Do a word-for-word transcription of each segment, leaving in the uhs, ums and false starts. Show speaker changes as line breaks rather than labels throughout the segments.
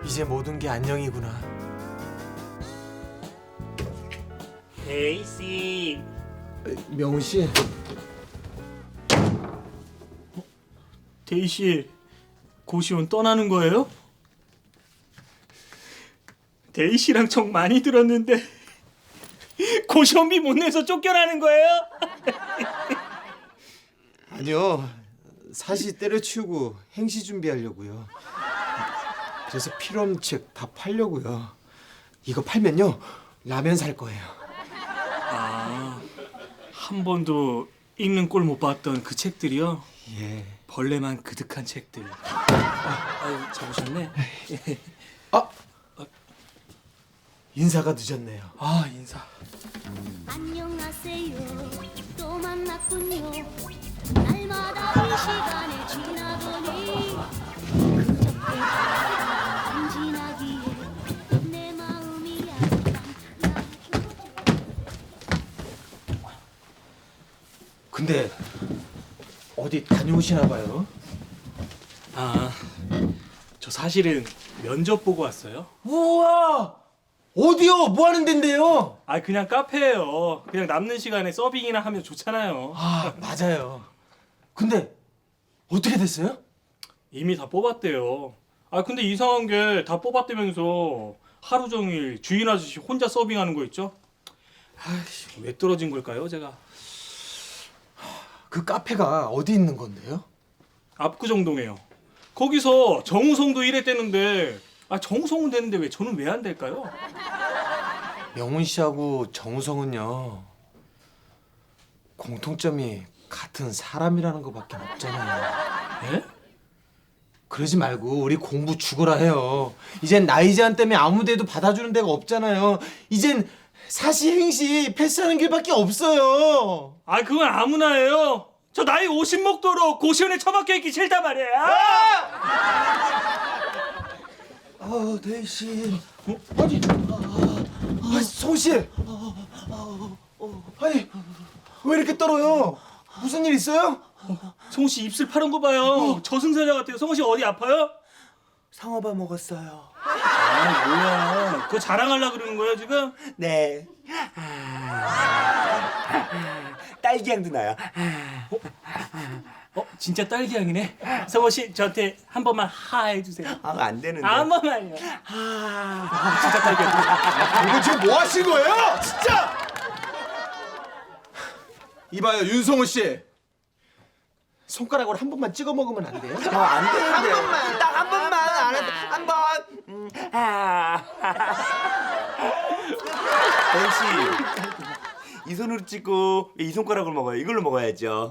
이제 모든 게 안녕이구나.
데이씨.
명훈 씨.
데이씨, 고시원 떠나는 거예요? 데이씨랑 정 많이 들었는데 고시원비 못 내서 쫓겨나는 거예요?
아니요. 사시 때려치우고 행시 준비하려고요. 그래서 필요 없는 책 다 팔려고요. 이거 팔면요 라면 살 거예요.
아, 한 번도 읽는 꼴 못 봤던 그 책들이요?
예.
벌레만 그득한 책들. 아, 아유, 잡으셨네.
아 인사가 늦었네요.
아, 인사.
안녕하세요. 또 만났군요. 날마다 이 시간을 지나보니 그저께 안 지나기에 내 마음이 약간
근데 어디 다녀오시나 봐요?
아, 저 사실은 면접 보고 왔어요.
우와! 어디요? 뭐 하는 데인데요?
아, 그냥 카페예요. 그냥 남는 시간에 서빙이나 하면 좋잖아요.
아 맞아요. 근데 어떻게 됐어요?
이미 다 뽑았대요. 아, 근데 이상한 게 다 뽑았다면서 하루 종일 주인 아저씨 혼자 서빙하는 거 있죠? 아이씨, 왜 떨어진 걸까요, 제가?
그 카페가 어디 있는 건데요?
압구정동에요. 거기서 정우성도 일했대는데, 아, 정우성은 되는데 왜 저는 왜 안 될까요?
명훈 씨하고 정우성은요 공통점이 같은 사람이라는 것밖에 없잖아요.
예?
그러지 말고 우리 공부 죽어라 해요. 이젠 나이 제한 때문에 아무 데도 받아주는 데가 없잖아요. 이젠 사시행시 패스하는 길밖에 없어요.
아, 그건 아무나 해요. 저 나이 오십 먹도록 고시원에 처박혀 있기 싫단 말이에요.
아, 대희 씨. 어? 아니, 아, 아, 성우 씨. 아니, 왜 이렇게 떨어요? 무슨 일 있어요?
성우 씨 입술 파란 거 봐요. 저승사자 같아요. 성우 씨 어디 아파요?
상어밥 먹었어요.
아, 뭐야. 그거 자랑하려고 그러는 거예요, 지금?
네. 딸기향도 나요.
어, 진짜 딸기향이네. 성우 씨 저한테 한 번만 하 해주세요.
아, 안 되는데.
한 번만요. 아, 진짜 딸기향.
이거 지금 뭐 하신 거예요? 진짜! 이봐요, 윤성우 씨. 손가락으로 한 번만 찍어 먹으면 안 돼요?
아, 안 되는데. 한 번만. 딱 한 번만. 안 해. 한 번. 음. 아. 벤씨. 이 손으로 찍고 이 손가락으로 먹어요. 이걸로 먹어야죠.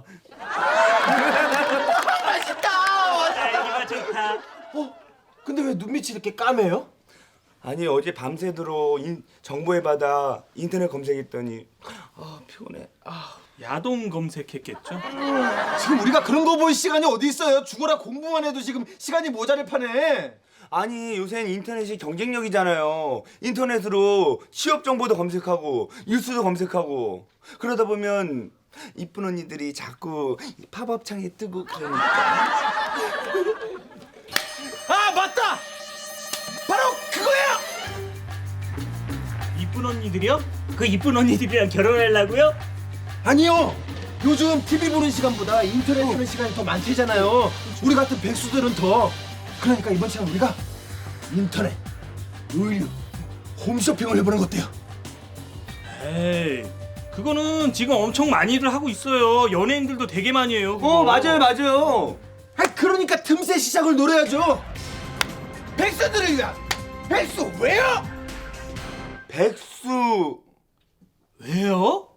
딸기가 좋다.
어? 근데 왜 눈밑이 이렇게 까매요?
아니 어제 밤새도록 인, 정보의 바다 인터넷 검색했더니 아 피곤해. 아.
야동 검색했겠죠?
지금 우리가 그런 거 볼 시간이 어디 있어요? 죽어라 공부만 해도 지금 시간이 모자랄 판에.
아니 요새는 인터넷이 경쟁력이잖아요. 인터넷으로 취업 정보도 검색하고 뉴스도 검색하고 그러다 보면 이쁜 언니들이 자꾸 팝업 창에 뜨고 그러니까.
아 맞다! 바로 그거야!
이쁜 언니들이요? 그 이쁜 언니들이랑 결혼하려고요?
아니요. 요즘 티비 보는 시간보다 인터넷 하는 시간이 더 많대잖아요. 우리 같은 백수들은 더. 그러니까 이번 시간 우리가 인터넷, 의류, 홈쇼핑을 해보는 거 어때요?
에이, 그거는 지금 엄청 많이들 하고 있어요. 연예인들도 되게 많이 해요. 그거.
어 맞아요 맞아요.
아 그러니까 틈새 시작을 노려야죠. 백수들을 위한 백수 왜요?
백수
왜요?